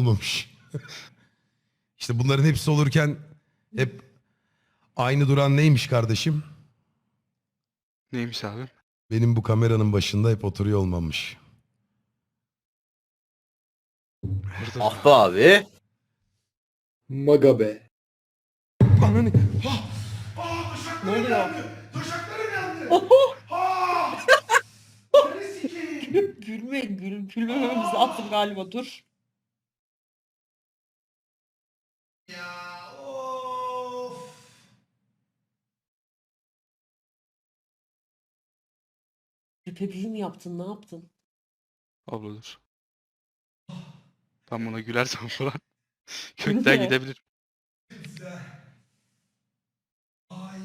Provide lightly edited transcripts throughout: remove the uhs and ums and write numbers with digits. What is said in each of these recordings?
yollamış. İşte bunların hepsi olurken hep aynı duran neymiş kardeşim? Neymiş abi? Benim bu kameranın başında hep oturuyor olmamış. Burada Ah be abi. Maga be. Ananı... Ne oluyor? Taşaklarım yandı. Gülmememiz lazım galiba, dur. Ya of. Pepe'yi mi yaptın, ne yaptın? abla dur. Ben buna gülersem falan Gülme. kökten gidebilir. Güzel. Ay.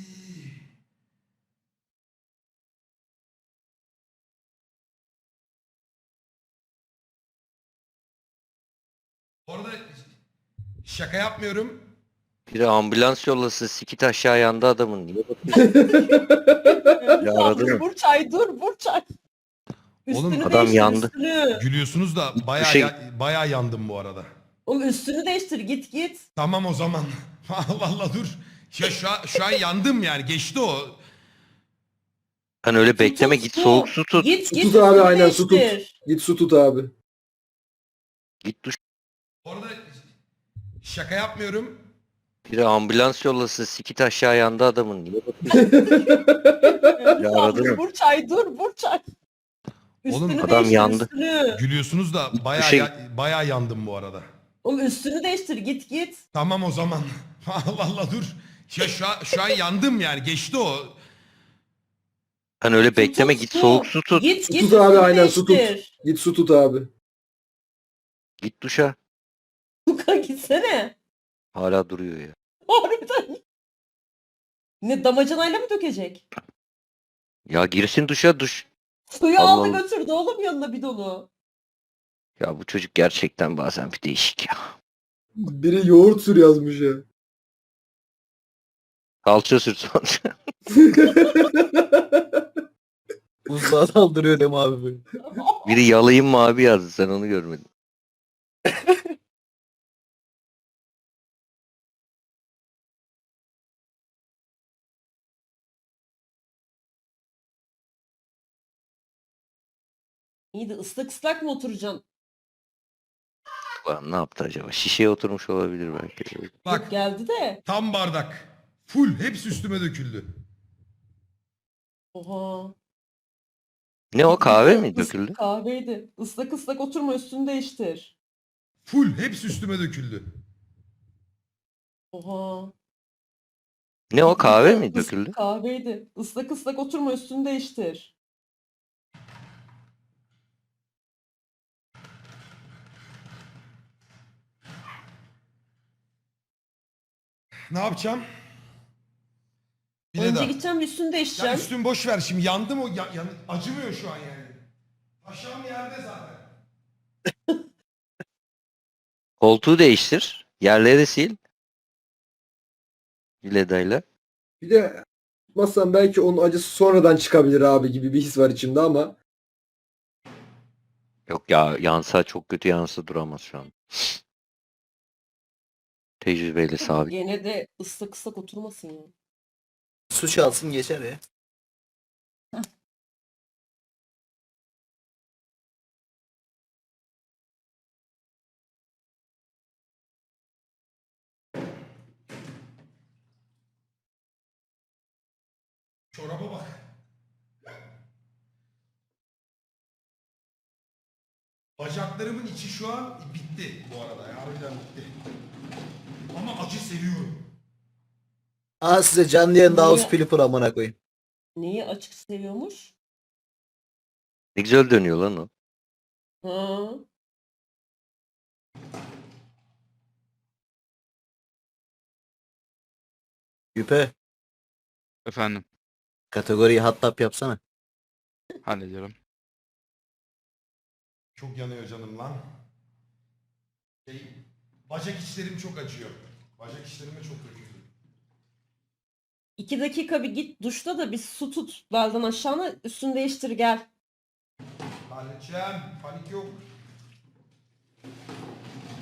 Bu arada şaka yapmıyorum. Biri ambulans yollasın, sikit aşağı yandı adamın. Niye bakıyorsun? Ya aradı mı? Burçay dur, Burçay. Oğlum, Üstünü adam değiştir, yandı. üstünü. Gülüyorsunuz da bayağı şey- bayağı yandım bu arada. Oğlum üstünü değiştir, git. Tamam o zaman. Vallahi dur. Ya şu an yandım yani. Geçti o. Hani öyle Su bekleme, tut, git su. soğuk su tut. Git, Su git tut abi, üstünü aynen, su tut. değiştir. Git su tut abi. Git duş. Bu arada şaka yapmıyorum. Biri ambulans yollasın, sikit aşağı yandı adamın. Niye bakıyorsun? Ya aradı mı? Burçay dur, Burçay. Oğlum, Üstünü adam değiştir, yandı. üstünü. Gülüyorsunuz da bayağı şey- bayağı yandım bu arada. Oğlum üstünü değiştir, git. Tamam o zaman. Vallahi dur. Ya şu an yandım yani. Geçti o. Hani öyle Su bekleme, tut, git su. soğuk su tut. Git, Su git tut abi, üstünü aynen, su tut. değiştir. Git su tut abi. Git duşa. Luka gitsene. Hala duruyor ya. Harbiden. Ne, damacanayla mı dökecek? Ya girsin duşa, duş. Suyu Allah aldı Allah. götürdü oğlum yanına bidonu. Ya bu çocuk gerçekten bazen bir değişik ya. Biri yoğurt sür yazmış ya. Kalça sürt sonra. Buzluğa saldırıyor Dem abi böyle. Biri yalayayım mı abi yazdı, sen onu görmedin. İyi de ıslak mı oturacaksın? Lan ne yaptı acaba? Şişeye oturmuş olabilir belki. Bak Yok, geldi de. tam bardak. Full. Hepsi üstüme döküldü. Oha. Ne o, kahve mi döküldü? Kahveydi. Islak oturma, üstünü değiştir. Full. Hepsi üstüme döküldü. Oha. Ne o, kahve mi döküldü? Kahveydi. Islak oturma, üstünü değiştir. Ne yapacağım? Bir de Önce daha. gideceğim, üstünü Ya değiştireceğim. üstüm boş ver şimdi. Yandım o. Acımıyor şu an yani. Aşağım yerde zaten. Koltuğu değiştir. Yerleri sil. Viledayla. Bir de tutmazsan belki onun acısı sonradan çıkabilir abi gibi bir his var içimde ama. Yok ya, yansa çok kötü, yansa duramaz şu an. Tecrübeyle sabit. Gene de ıslak oturmasın ya. Su çalsın geçer ya. Çoraba bak. Bacaklarımın içi şu an bitti bu arada. Ya, harbiden bitti. Ama acı seviyorum. Aa, size canlı yayında Niye? House Flipper amına koyayım. Neyi açık seviyormuş? Ne güzel dönüyor lan o. Ha. Yüpe. Efendim Kategoriyi hot tap yapsana. hallediyorum. Çok yanıyor canım lan. Bacak içlerim çok acıyor. Bacak içlerime çok döküldü. 2 dakika bir git duşta da bir su tut belden aşağına, üstünü değiştir gel. Halledeceğim. Panik yok.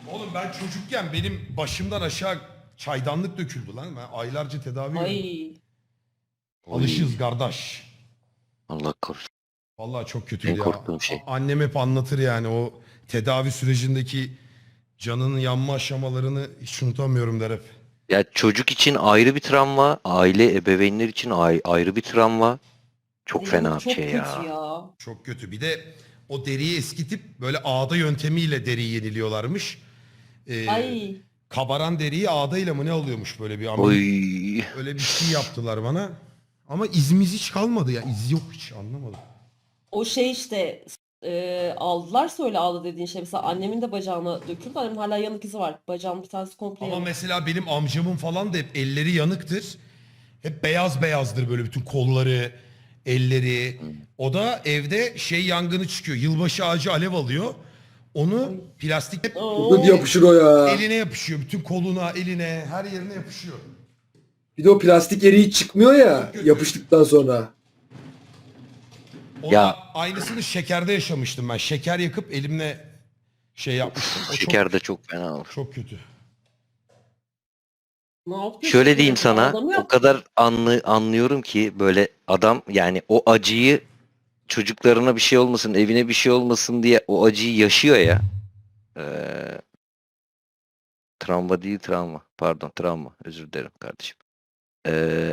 Oğlum ben çocukken benim başımdan aşağı çaydanlık döküldü lan. Ben aylarca tedavi gördüm. Ay. Alışırız kardeş. Allah korusun. Vallahi çok En kötüydü ya. korktuğum şey. Annem hep anlatır yani o tedavi sürecindeki canının yanma aşamalarını hiç unutamıyorum der hep. Ya çocuk için ayrı bir travma, aile ebeveynler için ayrı bir travma. Çok Yanık fena bir çok şey kötü ya. ya. Çok kötü. Bir de o deriyi eskitip böyle ağda yöntemiyle deriyi yeniliyorlarmış. Ay. Kabaran deriyi ağdayla mı ne alıyormuş böyle bir Oy. öyle bir şey yaptılar bana. Ama izimiz hiç kalmadı ya. İz yok hiç anlamadım. O şey işte aldılarsa öyle aldı dediğin şey. Mesela annemin de bacağına döküldü. Annemin hala yanık izi var. Bacağım bir tanesi komple Ama yanık. mesela benim amcamın falan da hep elleri yanıktır. Hep beyaz beyazdır böyle bütün kolları, elleri. O da evde şey yangını çıkıyor. Yılbaşı ağacı alev alıyor. Onu plastik Oo. Çok yapışır o ya. eline yapışıyor. Bütün koluna, eline, her yerine yapışıyor. Bir de o plastik eriği çıkmıyor ya Çok kötü. yapıştıktan sonra. Ona Ya- aynısını şekerde yaşamıştım ben. Şeker yakıp elimle şey yapmıştım. O Şeker de çok fena olur. çok kötü. Ne yaptın Şöyle şimdi? diyeyim sana, Adam o yap- kadar anlıyorum ki böyle adam yani o acıyı çocuklarına bir şey olmasın, evine bir şey olmasın diye o acıyı yaşıyor ya. Travma değil travma. Pardon travma. Özür dilerim kardeşim. Ee,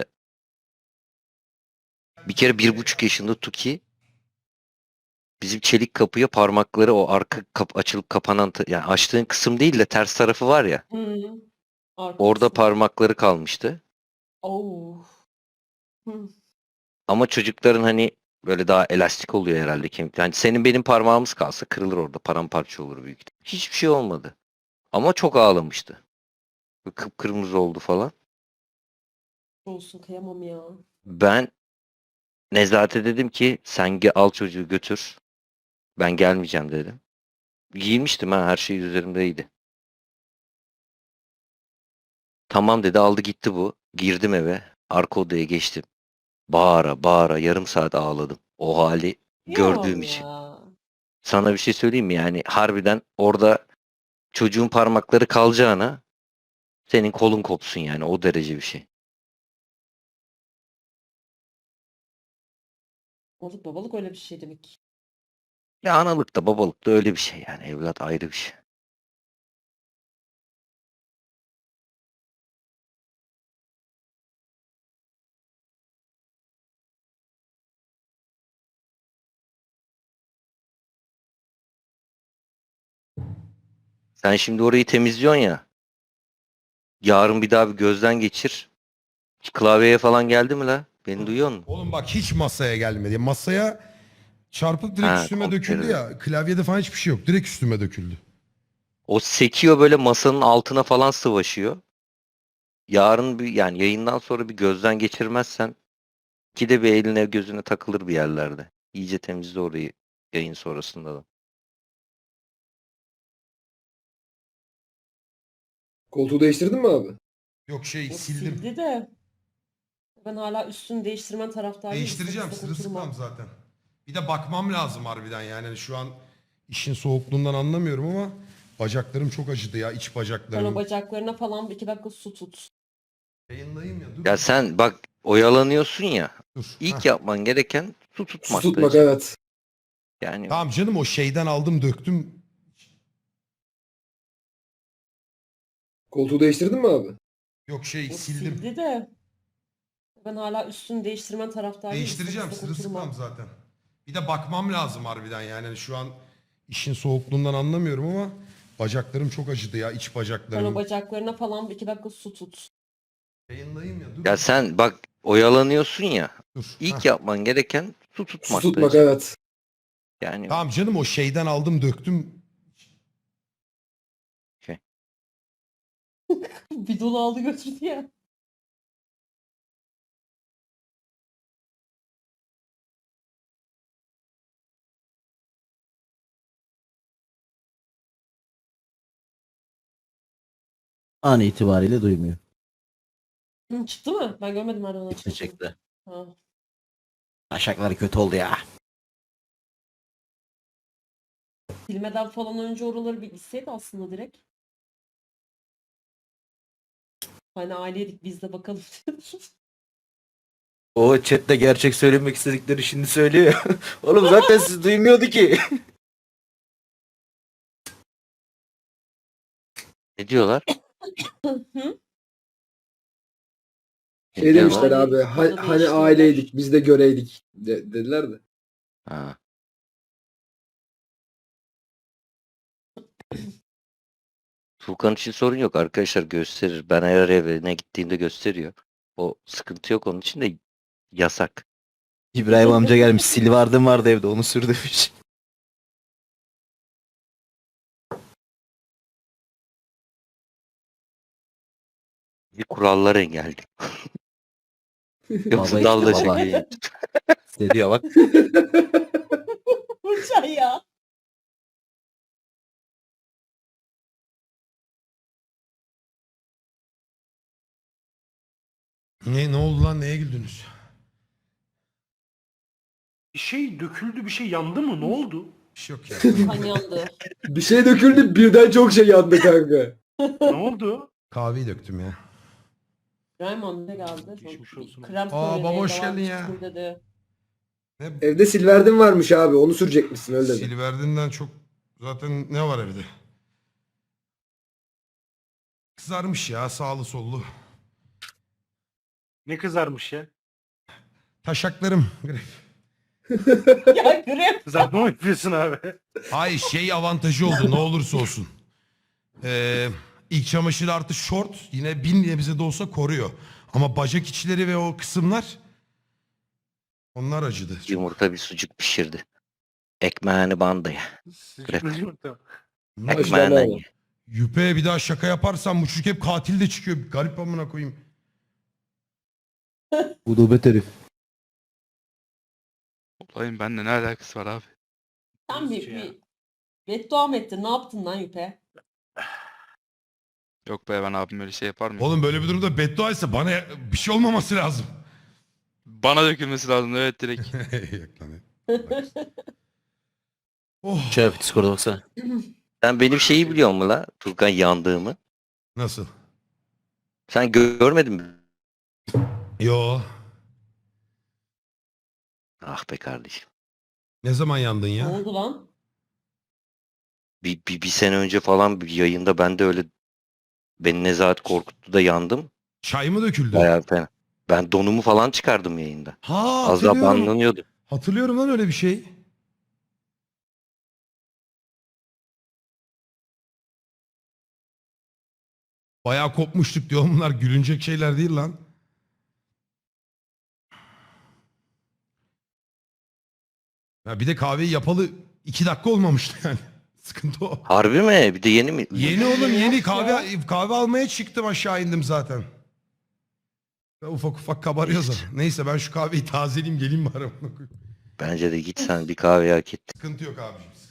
bir kere 1,5 yaşında Tuki bizim çelik kapıya parmakları o arka açılıp kapanan yani açtığın kısım değil de ters tarafı var ya. Hı. Arka Orada kısmı. parmakları kalmıştı. Oo. Hı. Ama çocukların hani böyle daha elastik oluyor herhalde kemik. Yani senin benim parmağımız kalsa kırılır orada. Paramparça olur büyük ihtimal. Hiçbir şey olmadı. Ama çok ağlamıştı. Böyle kıpkırmızı oldu falan. Olsun kıyamam ya. Ben Nezahat'e dedim ki sen al çocuğu götür. Ben gelmeyeceğim dedim. Giyinmiştim ha her şey üzerimdeydi. Tamam dedi aldı gitti bu. Girdim eve. Arka odaya geçtim. Bağıra bağıra yarım saat ağladım. O hali gördüğüm Kıyamam için. ya. Sana bir şey söyleyeyim mi? Yani harbiden orada çocuğun parmakları kalacağına senin kolun kopsun yani o derece bir şey. Babalık babalık öyle bir şey demek ki. Ya analık da babalık da öyle bir şey yani evlat ayrı bir şey. Sen şimdi orayı temizliyorsun ya. Yarın bir daha bir gözden geçir. Hiç klavyeye falan geldi mi la? Beni duyuyor musun? Oğlum bak hiç masaya gelmedi. Masaya çarpıp direkt Ha, üstüme komple döküldü evet. ya. Klavyede falan hiçbir şey yok. Direkt üstüme döküldü. O sekiyor böyle masanın altına falan sıvaşıyor. Yarın bir yani yayından sonra bir gözden geçirmezsen ki de bir eline gözüne takılır bir yerlerde. İyice temizle orayı yayın sonrasında da. Koltuğu değiştirdin mi abi? Yok şey O sildim. sildi de. Ben hala üstünü değiştirmen taraftarıyım. Değiştireceğim. Sıkı sıkı Sırılsıklam oturma. zaten. Bir de bakmam lazım harbiden yani. Hani şu an işin soğukluğundan anlamıyorum ama bacaklarım çok acıdı ya. İç Sen o bacaklarım. bacaklarına falan 2 dakika su tut. Yayındayım ya. Dur. Ya sen bak oyalanıyorsun ya. Dur. İlk Heh. yapman gereken su Su tutmaktı. tutmak evet. Yani Tamam canım o şeyden aldım döktüm. Koltuğu değiştirdin mi abi? Yok şey O sildim. sildi de. Ben hala üstünü değiştirmen taraftarıyım. Değiştireceğim. Sıkı sıkı oturma. Sırılsıklam zaten. Bir de bakmam lazım harbiden yani. Hani şu an işin soğukluğundan anlamıyorum ama bacaklarım çok acıdı ya. İç Sen o bacaklarım. bacaklarına falan 2 dakika su tut. Yayındayım ya. Dur. ya sen bak oyalanıyorsun ya. Dur. İlk Heh. yapman gereken su Su tutmaktı. tutmak evet. Yani Tamam canım o şeyden aldım döktüm. Bir dolu aldı götürdü ya. An itibariyle duymuyor. Hı, çıktı mı? Ben görmedim nereden Çıktı çıktı. çıktı. Ha. Aşakları kötü oldu ya. Silmeden falan önce oraları bir gitseydi aslında direkt. Hani aileydik biz de bakalım. O chatte gerçek söylemek istedikleri şimdi söylüyor ya. Oğlum zaten siz duymuyordu ki. Ne diyorlar? Hı? Ne Şey diyorlar? demişler abi Ailelik konuda hani değiştiler. aileydik biz de göreydik dediler de. Ha. Furkan için sorun yok arkadaşlar, gösterir. Ben eğer evine gittiğimde gösteriyor. O sıkıntı yok, onun için de yasak. İbrahim amca gelmiş. Silvardım vardı evde, onu sür demiş. Bir kurallar engelli. Yoksa Baba dalga işte baba. çekiyor. Hissediyor bak. Burçay ya. Ne oldu lan, neye güldünüz? Bir şey döküldü, bir şey yandı mı? Ne oldu? Bir şey yok ya. Kan yandı. Bir şey döküldü birden çok şey yandı kanka. Ne oldu? Kahveyi döktüm ya. Raymond ne geldi? Geçmiş olsun. Krem Aa, söyledi, baba hoş devam geldin ya. çıksın dedi. Ne? Evde silverdim varmış abi onu sürecekmişsin öyle dedi. Silverdinden çok zaten ne var evde? Kızarmış ya, sağlı sollu. Ne kızarmış ya? Taşaklarım. Gref. Ya krem. Kızartma mı yapıyorsun abi? Ay şey avantajı oldu ne olursa olsun. İlk çamaşır artı şort yine 1000 nebze de olsa koruyor. Ama bacak içleri ve o kısımlar onlar acıdı. Yumurta bir sucuk pişirdi. Ekmeğini bandı ya. Sıcak yumurta. Ekmeğinden Maşallah. ye. Yüpe bir daha şaka yaparsan bu çocuk hep katil de çıkıyor. Garip amına koyayım. Gudubet herif. Olayın benimle ne alakası var abi? Sen Nasıl ya? bir beddua mı ettin? Ne yaptın lan Yüpe? Yok be, ben abim öyle şey yapar mı? Oğlum böyle bir durumda beddua etse bana bir şey olmaması lazım. Bana dökülmesi lazım, evet, direkt. Yok lan. Oh. Şöyle Discord'a baksana. Sen benim şeyi biliyor musun la? Furkan, yandığımı. Nasıl? Sen görmedin mi? Yo. Ah be kardeşim. Ne zaman yandın Ne ya? oldu lan? Bir sene önce falan bir yayında ben de öyle, beni Nezahat korkuttu da yandım. Çay mı döküldü? Bayağı fena. Ben donumu falan çıkardım yayında. Ha, Az daha hatırlıyorum. banlanıyordu. Hatırlıyorum lan öyle bir şey. Bayağı kopmuştuk diyor. Bunlar gülünecek şeyler değil lan. Ya bir de kahveyi yapalı 2 dakika olmamıştı yani. Sıkıntı o. Harbi mi? Bir de yeni mi? Yeni oğlum yeni Yok kahve almaya çıktım, aşağı indim zaten. Ya ufak ufak kabarıyor zaten. Neyse ben şu kahveyi tazeleyeyim geleyim bari. Bence de git sen bir kahve hak ettin. Sıkıntı yok abiciğim.